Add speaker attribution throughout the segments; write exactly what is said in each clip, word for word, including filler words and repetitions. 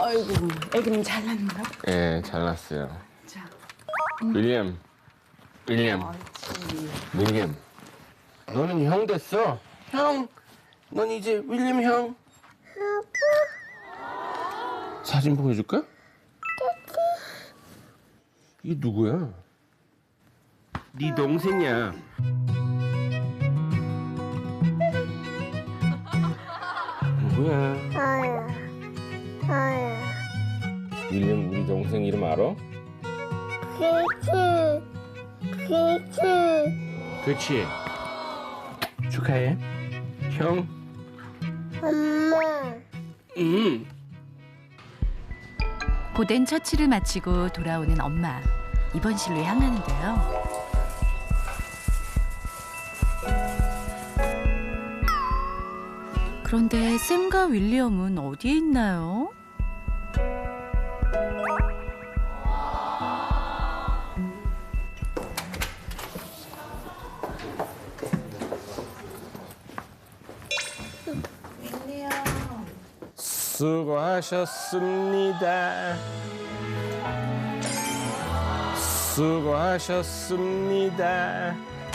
Speaker 1: 아이고, 애기는 잘났는가?
Speaker 2: 예, 잘났어요.
Speaker 1: 자,
Speaker 2: 윌리엄, 윌리엄,
Speaker 1: 옳지.
Speaker 2: 윌리엄. 너는 형 됐어. 형, 넌 이제 윌리엄 형. 아빠. 사진 보여줄까? 이게 누구야? 네 동생이야. 누구야?
Speaker 3: 아야, 아야.
Speaker 2: 윌리엄 우리 동생 이름 알아?
Speaker 3: 그치, 그치.
Speaker 2: 그렇지. 축하해. 형.
Speaker 3: 엄마.
Speaker 2: 음.
Speaker 4: 고된 처치를 마치고 돌아오는 엄마. 입원실로 향하는데요. 그런데 샘과 윌리엄은 어디에 있나요?
Speaker 2: 수고하셨습니다. 수고하셨습니다.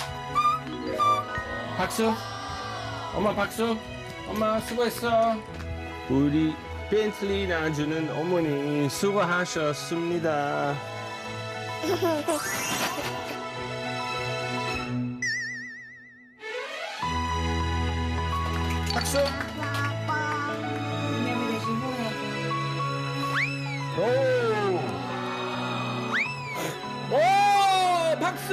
Speaker 2: 박수. 엄마 박수. 엄마 수고했어. 우리 벤틀리 놔주는 어머니 수고하셨습니다. 박수.
Speaker 1: 윌리엄이 대신 후회.
Speaker 2: 오! 오! 박수!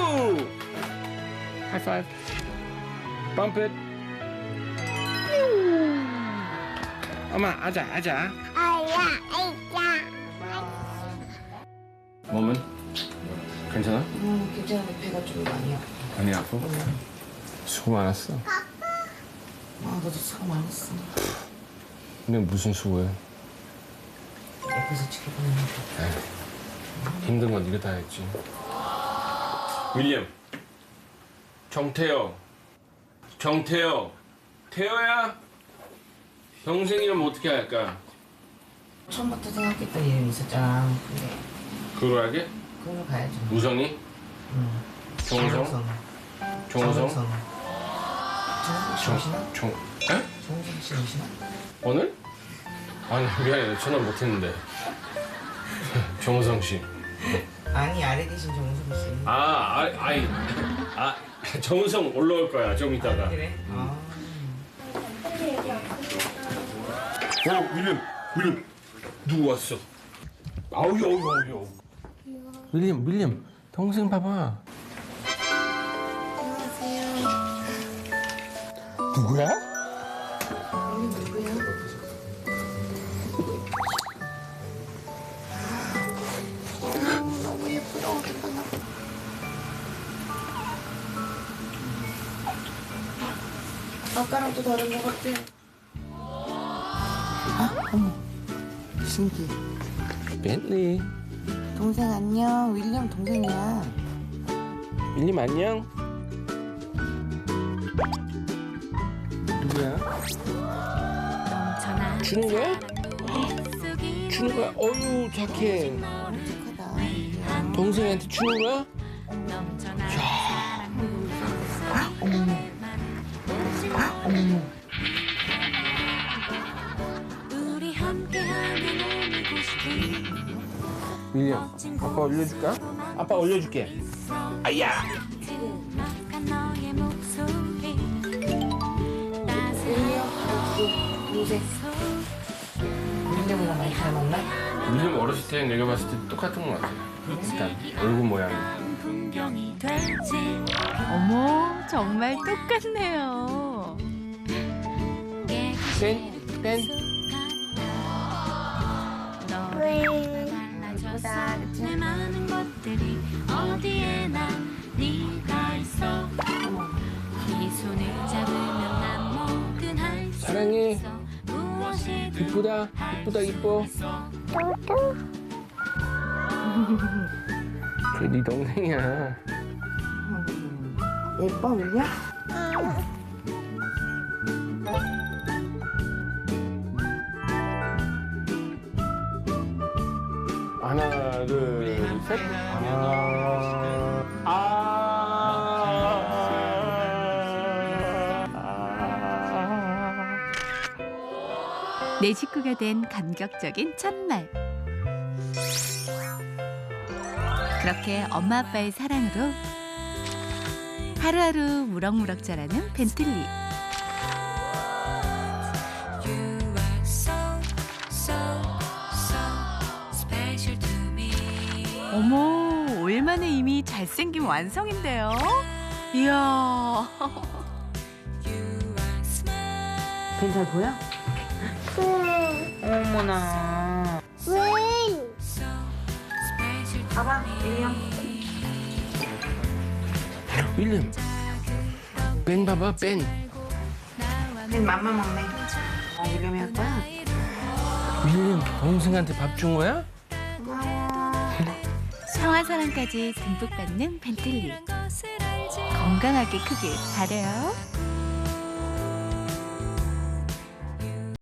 Speaker 2: 하이파이브. Bump it. 엄마, 아자, 아자.
Speaker 3: 아야, 아이자.
Speaker 2: 몸은? 괜찮아?
Speaker 1: 음, 괜찮은데 배가 좀 많이 아파.
Speaker 2: 많이 아파? 수고 많았어.
Speaker 1: 아, 너도 수고 많았어.
Speaker 2: 근데 무슨 수고해?
Speaker 1: 옆에서 지켜보는 거.
Speaker 2: 힘든 건 네가 다 했지. 윌리엄. 정태호. 정태호. 태호야? 동생 이름 어떻게 할까?
Speaker 1: 처음부터 생각했던 이름이 있었잖아. 근데
Speaker 2: 그걸 하게?
Speaker 1: 그걸로 가야죠.
Speaker 2: 우성이?
Speaker 1: 응.
Speaker 2: 정우성? 정우성?
Speaker 1: 정우성 씨 오시나?
Speaker 2: 정, 에?
Speaker 1: 정우성 씨 오시나?
Speaker 2: 오늘? 아니 미안해 전화 못했는데. 정우성 씨.
Speaker 1: 아니, 아래 계신 정우성 씨.
Speaker 2: 아, 아, 아이, 아, 정우성 올라올 거야 좀 이따가.
Speaker 1: 그래? 아.
Speaker 2: 어, 윌리엄, 윌리엄, 누구 왔어? 아우, 아우, 아우, 아우. 윌리엄, 윌리엄, 동생 봐봐.
Speaker 3: 안녕하세요.
Speaker 2: 누구야?
Speaker 1: 누구야?
Speaker 3: 너무 예쁘다, 어떡하나.
Speaker 1: 아까랑 또 다른 것 같아. 아, 어머. 신기해.
Speaker 2: 벤tley.
Speaker 1: 동생 안녕. 윌리엄 동생이야.
Speaker 2: 윌리엄 안녕. 누구야?
Speaker 4: 넘쳐나
Speaker 2: 주는 거야? 주는 거야? 어유 착해.
Speaker 1: 착하다.
Speaker 2: 동생한테 주는 거야?
Speaker 4: 넘쳐나
Speaker 1: 어머머.
Speaker 4: 우리 함께하는 오늘 곳이
Speaker 2: 윌리엄, 아빠 올려줄까? 아빠 올려줄게. 아야!
Speaker 4: 막한 너의 목소리
Speaker 1: 동생. 윌리엄이랑 많이 닮았나?
Speaker 2: 윌리엄 어렸을 때 내가 봤을 때 똑같은 것 같아. 일단 얼굴 모양이.
Speaker 4: 풍경이 되지. 어머, 정말 똑같네요.
Speaker 2: 뺀, 뺀.
Speaker 4: 달라졌어. 내 많은 것들이 어디에나 네가 있어. 네 손을 잡으면 난 뭐든 할 수
Speaker 2: 사랑해.
Speaker 4: 있어. 무엇이든
Speaker 2: 이쁘다, 이쁘다, 이뻐.
Speaker 3: 또또.
Speaker 2: 그게 네 동생이야.
Speaker 1: 예뻐, 윌리엄?
Speaker 2: 하나, 둘, 셋. 아, 아,
Speaker 4: 내 식구가 된 감격적인 첫날. 그렇게 엄마 아빠의 사랑으로 하루하루 무럭무럭 자라는 벤틀리. 어머, 오 일 만에 이미 잘생긴 완성인데요. 이야.
Speaker 1: 벤 잘 보여?
Speaker 3: 응.
Speaker 1: 어머나.
Speaker 3: 응.
Speaker 1: 봐봐, 윌리엄.
Speaker 2: 윌리엄. 벤 봐봐, 벤.
Speaker 1: 벤 맘마 먹네. 어, 윌리엄이 할 거야?
Speaker 2: 윌리엄 동생한테 밥 준 거야?
Speaker 4: 평화 사랑까지 듬뿍 받는 벤틀리. 건강하게 크길 바래요.